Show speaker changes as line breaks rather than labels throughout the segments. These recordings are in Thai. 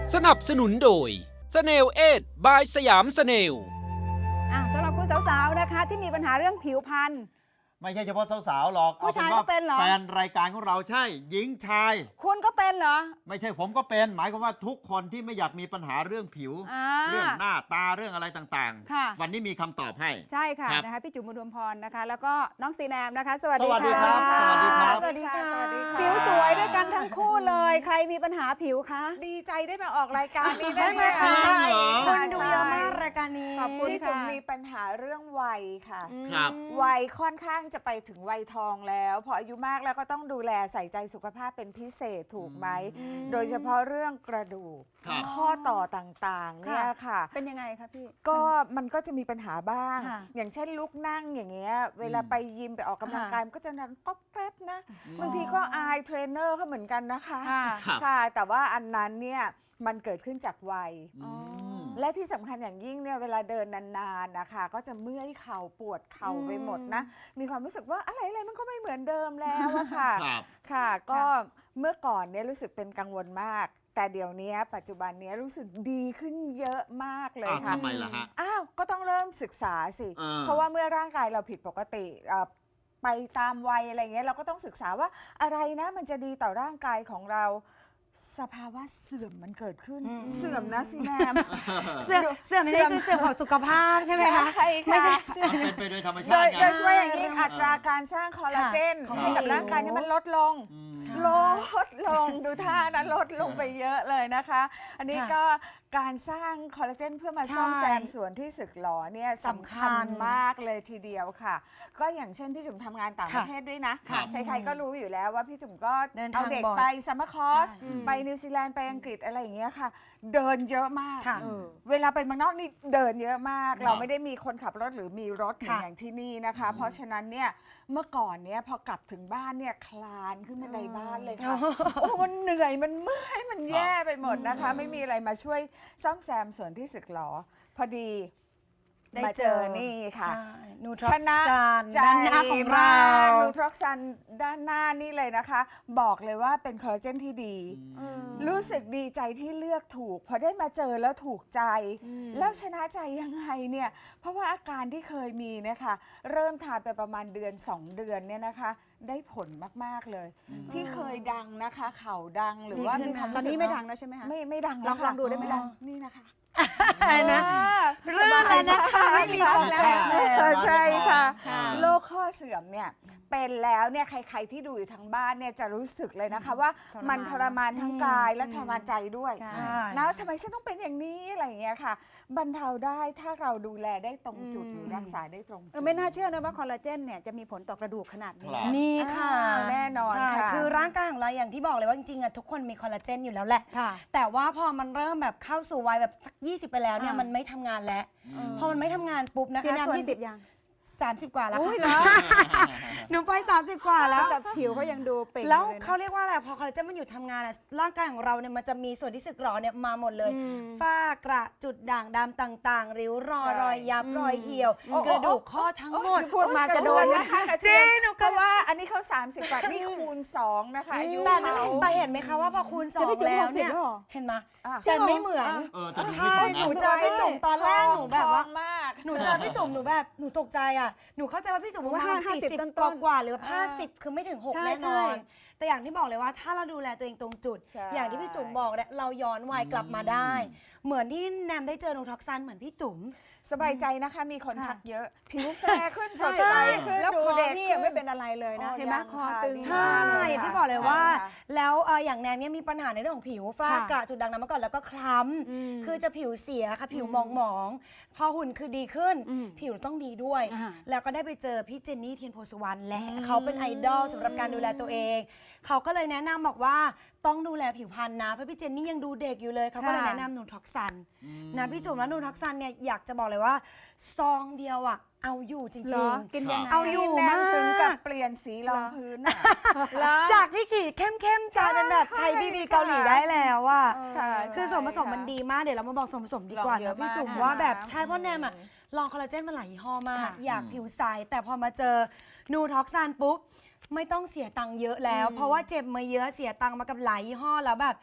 สนับสนุนโดยสเนลเอ็ดบายสยามสเนล
สำหรับคุณสาวๆนะคะที่มีปัญหาเรื่องผิวพรรณ
ไม่ใช่เฉพาะสาวๆหรอก
ผู้ชายก็เป็นเหรอ
แฟนรายการของเราใช่หญิงชาย
คุณก็เป็นเหรอ
ไม่ใช่ผมก็เป็นหมายความว่าทุกคนที่ไม่อยากมีปัญหาเรื่องผิว เรื่องหน้าตาเรื่องอะไรต่าง
ค่ะ
ๆ วันนี้มีคำตอบให้
ใช่ค่ะ
ครับ
นะคะพี่จุ๋มบุญรวมพรนะคะ แล้วก็น้องซีแนมนะคะ สวัสดี
สวัสดี
ค่ะ
ครับสวัสดีครับ
สวัสดีค่ะ
สวัสดีค่ะ
ผิวสวยด้วยกันทั้งคู่เลย ใครมีปัญหาผิวคะ
ดีใจได้มาออกรายการนี้
ใช่ไหมคะ
ใช่
คนดู
ดู
เย
เย
อะมาม
อะาก กรายการนี้
ขอบคุณ
พี่
ค่ะ
จุ๋มมีปัญหาเรื่องวัยค่ะ
ครับ
วัยค่อนข้างจะไปถึงวัยทองแล้วพออายุมากแล้วก็ต้องดูแลใส่ใจสุขภาพเป็นพิเศษถูกไหม โดยเฉพาะเรื่องกระดูก
ครับ
ข้อต่อต่างๆเนี่ยค่ะ
เป็นยังไงคะพี่
ก็มันก็จะมีปัญหาบ้าง
ค่ะ
อย่างเช่นลุกนั่งอย่างเงี้ย เวลาไปยิมไปออกกำลังกายมันก็จะนั่งก๊อบแกรบนะ บางทีก็อายเทรนเนอร์เขาเหมือนกันนะคะ
ค่ะ
ครับ
ค่ะ แต่ว่าอันนั้นเนี่ยมันเกิดขึ้นจากวัย
อืม
และที่สำคัญอย่างยิ่งเนี่ยเวลาเดินนานๆนะคะก็จะเมื่อยเข่าปวดเข่าไปหมดนะ มีความรู้สึกว่าอะไรๆมันก็ไม่เหมือนเดิมแล้วอะค่ะ
ครับ
ค่ะก็เมื่อก่อนเนี่ยรู้สึกเป็นกังวลมาก แต่เดี๋ยวนี้ปัจจุบันเนี้รู้สึกดีขึ้นเยอะมากเลย
อ้าว
ค่ะ
ทำไมล่ะฮะ
อ้าวก็ต้องเริ่มศึกษาสิ เพราะว่าเมื่อร่างกายเราผิดปกติไปตามวัยอะไรเงี้ยเราก็ต้องศึกษาว่าอะไรนะมันจะดีต่อร่างกายของเรา สภาวะเสื่อมมันเกิดขึ้น เสื่อมนะสิแนม
เสื่อมนี่คือเสื่อมของสุขภาพใช่ไหมคะ
ใช่
ไม่
ค่ะ
ใช่
มันเป็นไปโดยธรรม
โด
ชาติ
ย
ไง
โดยเฉพาะอย่างยิ่งอัตราการสร้างคอลลาเจน
ค่ะ
ให้กับร่างกายนี่มันลดลง
อืม
ลดลงดูท่านะลดลงไปเยอะเลยนะคะ อันนี้ก็การสร้างคอลลาเจนเพื่อมาซ่อมแซมส่วนที่สึกหรอเนี่ยสำคัญมากเลยทีเดียวค่ะ ก็อย่างเช่นพี่จุ๋มทำงานต่างประเทศด้วยนะ
ค่ะ
ใครๆก็รู้อยู่แล้วว่าพี่จุ๋มก็
เดินทาง
เอาเด็ก
บ่อย
ไปซัมเมอร์คอร์ส
ใช่
ไปนิวซีแลนด์ไปอังกฤษอะไรอย่างเงี้ยค่ะ เดินเยอะมาก
ค่ะ
เวลาไปเมืองนอกนี่เดินเยอะมาก
ครับ
เราไม่ได้มีคนขับรถหรือมีรถเหมือน
ค่ะ
อย่างที่นี่นะคะ เพราะฉะนั้นเนี่ยเมื่อก่อนเนี่ยพอกลับถึงบ้านเนี่ยคลานขึ้นบันไดบ้านเลยค่ะ โอ้มันเหนื่อยมันเมื่อยมันแย่ไปหมดนะคะ ไม่มีอะไรมาช่วยซ่อมแซมส่วนที่สึกหรอ พอดีมาเจอนี่ค่ะ
นูทรอ
ช
ก
นะ
ซาน
ใจ
ด้านหน้าของเรา
นูทรอกซันด้านหน้านี่เลยนะคะ บอกเลยว่าเป็นคอลลาเจนที่ดี รู้สึกดีใจที่เลือกถูกพอได้มาเจอแล้วถูกใจ แล้วชนะใจยังไงเนี่ยเพราะว่าอาการที่เคยมีเนะคะเริ่มทานไปประมาณเดือน 2 เดือนเนี่ยนะคะ ได้ผลมากๆเลย ที่เคยดังนะคะเข่าดังหรือว่า
ดีขึ้น
มีความ
ตอน
รู้สึก
นี้ไม่ดังแล้วใช่ไหมคะ
ไม่ดัง
ล
แล้
อ
ว
ง
ค่ะ
ดูได้ไหมล่ะ
นี่นะคะ
นะ
เรื่องอะไรนะคะไม่มีฟองแล้ว ใช่ค่ะ
ค่ะ
โรคข้อเสื่อมเนี่ยเป็นแล้วเนี่ยใครๆที่ดูอยู่ทางบ้านเนี่ยจะรู้สึกเลยนะคะว่ามันทรมานทั้งกายและทรมานใจด้วย
ใช่
นะทำไมฉันต้องเป็นอย่างนี้อะไรอย่างเงี้ยค่ะ บรรเทาได้ถ้าเราดูแลได้ตรงจุดหรือรักษาได้ตรงจุด
ไม่น่าเชื่อนะว่าคอลลาเจนเนี่ยจะมีผลต่อกระดูกขนาดนี้
ครับ
นี่ค่ะ
แน่นอน
ใช่
ค่ะ
คือร่างกายของเราอย่างที่บอกเลยว่าจริงๆอะทุกคนมีคอลลาเจนอยู่แล้วแหละ
ค่ะ
แต่ว่าพอมันเริ่มแบบเข้าสู่วัยแบบสัก20 ไปแล้วเนี่ย
อ่ามั
มันไม่ทำงานแล้ว พอมันไม่ทำงานปุ๊บนะคะ
ซีแนม
ส่วน
20 ยัง
30 กว่าแล้ว
อุ้ย
ค่ะ
เหรอ
หนูไป30 กว่าแล้ว
แต่ผิวเขายังดูเปล่ง
แล้ว
อยู่ยนะ
เขาเรียกว่าอะไรพอคอลลาเจนมันหยุดทำงานอะร่างกายของเราเนี่ยมันจะมีส่วนที่สึกหรอเนี่ยมาหมดเลย ฝ้ากระจุดด่างดำต่างๆ ริ้วรอย
ใช่
รอยยับรอยเหี่ยว กระดูกข้อทั้งหมด
ที่พูดมาจะโดนนะ
จริงหนูก็ว่าอันนี้เขา30 กว่านี่คูณ 2 นะคะอายุ
แต่
เขา
แต่เห็นไหมคะว่าพอคูณ
แต่พี่
2
จุ๋ม
แล้วเนี่ย
60แล้วเหรอ
เห็นไหม
อ่ะ
แต่ไม่เหมือน
แต่ดู
ใช่
ไม่
หนู
ถูกนะ
เจอพี่จุ๋มตอนแรกหนูแบบว่า
ทองมาก
หนูเจอพี่จุ๋มหนูแบบหนูตกใจอ่ะหนูเข้าใจว่าพี่จุ๋มประมาณ
50
40
ต้นๆ
กว่าๆหรือว่า50 คือไม่ถึง 6
ใช่
แน่น
ใช่
อน แต่อย่างที่บอกเลยว่าถ้าเราดูแลตัวเองตรงจุด
ใช่
อย่างที่พี่จุ๋มบอกเนี่ยเราย้อนวัยกลับมาได้ เหมือนที่แนมได้เจอนูทอกซันเหมือนพี่จุ๋ม
สบายใจนะคะมีคน
ค่ะ
ทักเยอะ ผิวแฟร์ขึ้นสด
ใช่
ใสขึ้น
แล้ว
ดู
คอ
เด็ก
พี่ยังไม่เป็นอะไรเลยนะ เห็นไหม
ยัง
คอ
ค่ะ
ตึง
ดี
ใช่
มากเลย
อย่างที่
ค่ะ
บอกเลยว่า
ใช่ค่ะ
แล้วอย่างแนมเนี่ยมีปัญหาในเรื่องของผิวฝ้า
ค่ะ
กระจุดด่างดำมาก่อนแล้วก็คล้ำคือจะผิวเสียค่ะผิวหมองๆพอหุ่นคือดีขึ้น ผิวต้องดีด้วย
อ่า
แล้วก็ได้ไปเจอพี่เจนนี่เทียนโพสุวรรณและเขาเป็นไอดอลสำหรับการดูแลตัวเอง เขาก็เลยแนะนำบอกว่าต้องดูแลผิวพรรณนะเพราะพี่เจนนี่ยังดูเด็กอยู่เลยเขาก็เลย
ค่ะ
แนะนำนูทอกซันนะพี่จุ๋มแล้วนูทอกซันเนี่ยอยากจะบอกเลยว่าซองเดียวอ่ะเอาอยู่จริ
เหรง อ กินยังไง
เอาอยู่
แนม
มาก
ถึงกับเปลี่ยนสีรองพื้นอะ
ๆจากที่ขีดเข้มๆกลายเป็นแบบไทยบีบีเกาหลีได้แล้วอ่ะ
ค่ะ
คือส่วนผสม
ใช่
มันดีมากเดี๋ยวเรามาบอกส่วนผสมดีกว่า
ลองเย
นะ
อะ
พี่จุ๋ม
มาก
ว่าแบบ
ใช่ไหม
ใช่เพราะแนมอะลองคอลลาเจนมาหลายยี่ห้อมาก
ค่ะ
อยากผิวใสแต่พอมาเจอนูท็อกซานปุ๊บไม่ต้องเสียตังค์เยอะแล้ว เพราะว่าเจ็บมาเยอะเสียตังค์มากับหลายยี่ห้อแล้วแบบ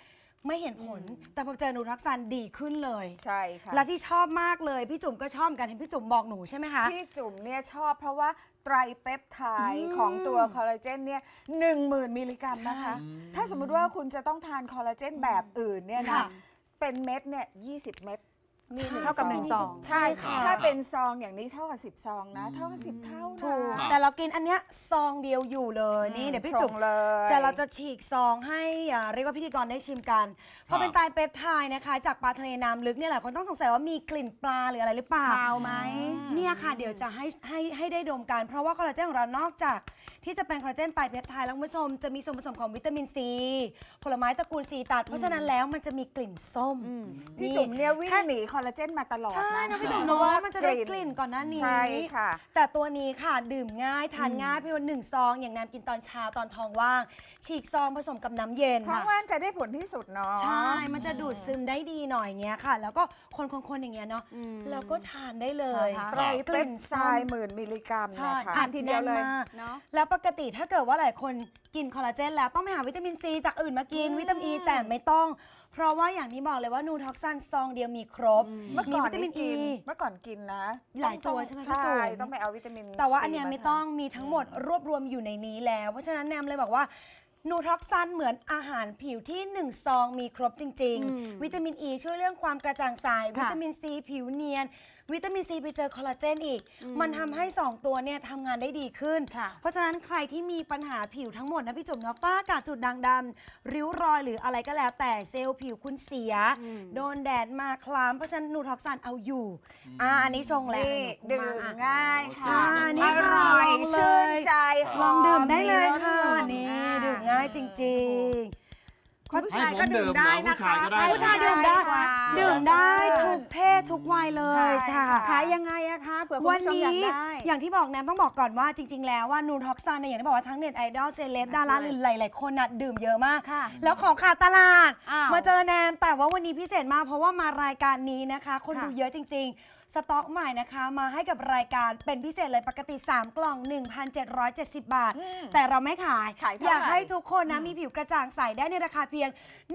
ไม่เห็นผล แต่พอเจอนูทรักซันดีขึ้นเลย
ใช่ค่ะ
และที่ชอบมากเลยพี่จุ๋มก็ชอบเหมือนกันเห็นพี่จุ๋มบอกหนูใช่ไหมคะ
พี่จุ๋มเนี่ยชอบเพราะว่าไตรเปปไทด์ของตัวคอลลาเจนเนี่ย10,000 มิลลิกรัมนะคะ ถ้าสมมุติว่าคุณจะต้องทานคอลลาเจนแบบอื่นเนี่ยนะ
ค่ะ
เป็นเม็ดเนี่ย20 เม็ดนี่
ใช่
เท่ากับ1 ซอง
ใช่
ค่ะ
ถ้าเป็นซองอย่างนี้เท่ากับ10 ซองนะ เท่ากับ10 เท่านะ
ถูกแต่เรากินอันเนี้ยซองเดียวอยู่เลยนี่เดี๋ยวพี่จุ๋ม
ชงเลย
จะเราจะฉีกซองให้เรียกว่าพิธีกรได้ชิมกันเพราะเป็นไตรเปปไทด์นะคะจากปลาทะเลน้ำลึกเนี่ยแหละคนต้องสงสัยว่ามีกลิ่นปลาหรืออะไรหรือเปล่า
คาวไหม
เนี่ยค่ะเดี๋ยวจะให้ได้ดมกัน เพราะว่าคอลลาเจนของเรานอกจากที่จะเป็นคอลลาเจนไตรเปปไทด์แล้วคุณผู้ชมจะมีส่วนผสมของวิตามินซีผลไม้ตระกูลซีตัดเพราะฉะนั้นแล้วมันจะมีกลิ่นส้ม
พี่จุ๋มเนี่ยวิ่งหนีคอลลาเจนมาตลอด
ใช่
นะ
นะพี่จุ๋ม
เพ
เนาะ
ราะว่า
มันจะได้กลิ่นก่อนหน้านี้
ใช่ค่ะ
แต่ตัวนี้ค่ะดื่มง่ายทานง่ายเพียง1 ซองอย่างน้ำกินตอนเช้าตอนท้องว่าง ฉีกซองผสมกับน้ำเย็น
ท้องว่างจะได้ผลที่สุดเนาะ
ใช่ มันจะดูดซึมได้ดีหน่อยเงี้ยค่ะ แล้วก็คนๆอย่างเงี้ยเนาะแล้วก็ทานได้เลย
นะคะ
ไตรเปปไทด์10,000 มิลลิกรัม
ใช่
นะคะ
ทานทีเดียวเลย
แน่นมาก
เนาะ
แล้วปกติถ้าเกิดว่าหลายคนกินคอลลาเจนแล้วต้องไปหาวิตามินซีจากอื่นมากินวิตามินอีแต่ไม่ต้อง เพราะว่าอย่างที่บอกเลยว่านูท็อกซันซองเดียวมีครบ
เมื่อก่อน
วิตามิน
กิ
อี
เมื่อก่อนกินนะ
หลายตัวใช่ไหมพี่
ใช่
จุ๋ม
ต้องไปเอาวิตามิน
แต่ว่าอันเนี้ย
ซี
ไม่ต้องมีทั้งหมดรวบรวมอยู่ในนี้แล้ว เพราะฉะนั้นแนมเลยบอกว่านูท็อกซันเหมือนอาหารผิวที่1 ซองมีครบจริง ๆ วิตามินอ e ีช่วยเรื่องความกระจ่างใสวิตามินซีผิวเนียน วิตามินซีไปเจอคอลลาเจนอีก มันทำให้ 2 ตัวเนี่ยทำงานได้ดีขึ้น
ค่ะ
เพราะฉะนั้นใครที่มีปัญหาผิวทั้งหมดนะพี่จุ๋มเนาะฝ้ากระจุดด่างดำริ้วรอยหรืออะไรก็แล้วแต่เซลล์ผิวคุณเสีย โดนแดดมาคล้ำเพราะฉะนั้นนูท็อกซันเอาอยู่อันนี้ชงแล้ว
นี่
เดี๋ยวหนู
ดื่ม
มา
ง่าย
ใช่
ค่ะ
นี่
อ
ค่ะ
ร่อย
ลองเลย
ชื่นใจห
ล
อ
อง
ม
ดื่มได้เลย
รส
ค่ะ
สูง
นี่
อ่า
ดื่มง่ายจริง
คุณผู้ชายก็ดื่มได้นะคะ
ๆผู้ชายดื่มได้
ค่ะ
ดื่มได้ทุกเพศทุกวัยเลยค่ะ
ขายยังไงอะคะเผื่อคุณ
วัน
ผู้ชมอยาก
นี้
ได้
อย่างที่บอกแนมต้องบอกก่อนว่าจริง ๆ แล้วว่านูท็อกซันเนี่ยอย่างที่บอกว่าทั้งเน็ตไอดอลเซเลบดาราหรือหลาย ๆ คนน่ะดื่มเยอะมาก
ค่ะ
แล้วของขาดตลาด
อ้าว
มาเจอแนมแต่ว่าวันนี้พิเศษมากเพราะว่ามารายการนี้นะคะ คน
ค่ะ
ดูเยอะจริง ๆ สต็อกใหม่นะคะ มาให้กับรายการเป็นพิเศษเลยปกติ 3 กล่อง 1,770 บาท แต่เราไม่ขาย
ขายเท่าไหร่
อยากให้ทุกคนนะมีผิวกระจ่างใสได้ในราคาเพียง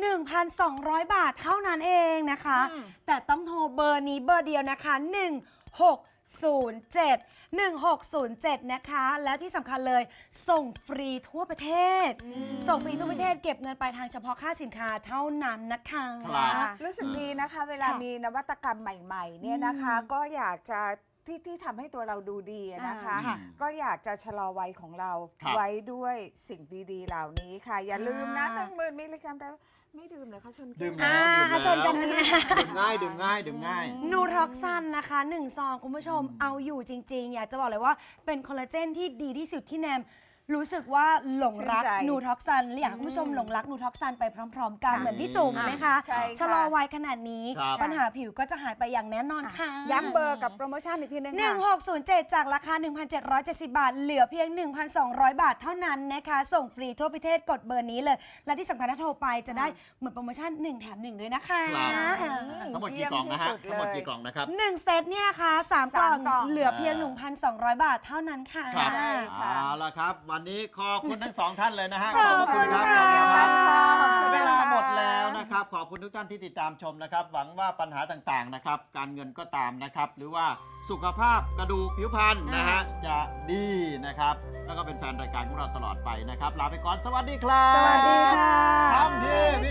1,200 บาทเท่านั้นเองนะคะ แต่ต้องโทรเบอร์นี้เบอร์เดียวนะคะ 1607 นะคะ และที่สำคัญเลยส่งฟรีทั่วประเทศ ส่งฟรีทั่วประเทศเก็บเงินปลายทางเฉพาะค่าสินค้าเท่านั้นนะคะ
ครับ
รู้สึกดีนะคะ เวลา
ค่ะ
มีนวัตกรรมใหม่ๆเนี่ยนะคะ ก็อยากจะที่ทำให้ตัวเราดูดีอะนะคะ
ค่ะ
ก็อยากจะชะลอวัยของเรา
ครับ
ไว้ด้วยสิ่งดีๆ เหล่านี้ค่ะ อย่าลืมนะ
ค่ะ
10,000 มิลลิกรัมแต่ไม่ดื่มเลยค่ะชนแก้ว
ดื่มแล้วดื่มแล้ว
ชนกันเนี่ย
ดื่มง่ายดื่มง่ายดื่มง่าย
นูท็อกซันนะคะ1 ซองคุณผู้ชมเอาอยู่จริง ๆ อยากจะบอกเลยว่าเป็นคอลลาเจนที่ดีที่สุดที่แนมรู้สึกว่าหลงรัก
ชื่นใจ
นูท็อกซันและอยากให้คุณผู้ชมหลงรักนูท็อกซันไปพร้อม ๆ กันเหมือนพี่จุ๋มนะคะ
ใช่ค่ะ
ชะลอวัยขนาดนี้
ครับ
ปัญหาผิวก็จะหายไปอย่างแน่นอนค่ะ
ย้ำเบอร์กับโปรโมชั่นอีกทีนึงค่ะ
1607 จากราคา 1,770 บาท เหลือเพียง 1,200 บาทเท่านั้นนะคะ ส่งฟรีทั่วประเทศกดเบอร์นี้เลย และที่สำคัญถ้าโทรไปจะได้เหมือนโปรโมชั่น 1 แถม 1 ด้วยนะคะ
ครับ
อ่า
ทั้งหมดกี่กล่องนะฮะ
เยี่ยมที่สุดเลย
ทั้งหมดกี่กล่องนะครับ
1 เซตเนี่ยค่ะ3 กล่อง
กล่อง
เหลือเพียง 1,200 บาทเท่านั้นค่ะ
ครับ
ใช่ค่ะ
เอาละครับ วันนี้ขอบคุณทั้ง 2 ท่านเลยนะฮะ
ขอบคุณ
ครับ
ค่ะ
ขอบคุณครับ
ขอบคุณ
เวลา
ค่ะ
หมดแล้วนะครับ ขอบคุณทุกท่านที่ติดตามชมนะครับ หวังว่าปัญหาต่างๆนะครับ การเงินก็ตามนะครับ หรือว่าสุขภาพกระดูกผิวพรรณนะฮะจะดีนะครับ แล้วก็เป็นแฟนรายการของเราตลอดไปนะครับ ลาไปก่อนสวัสดีครับ
สวัสดีค่ะ
ทำทีวี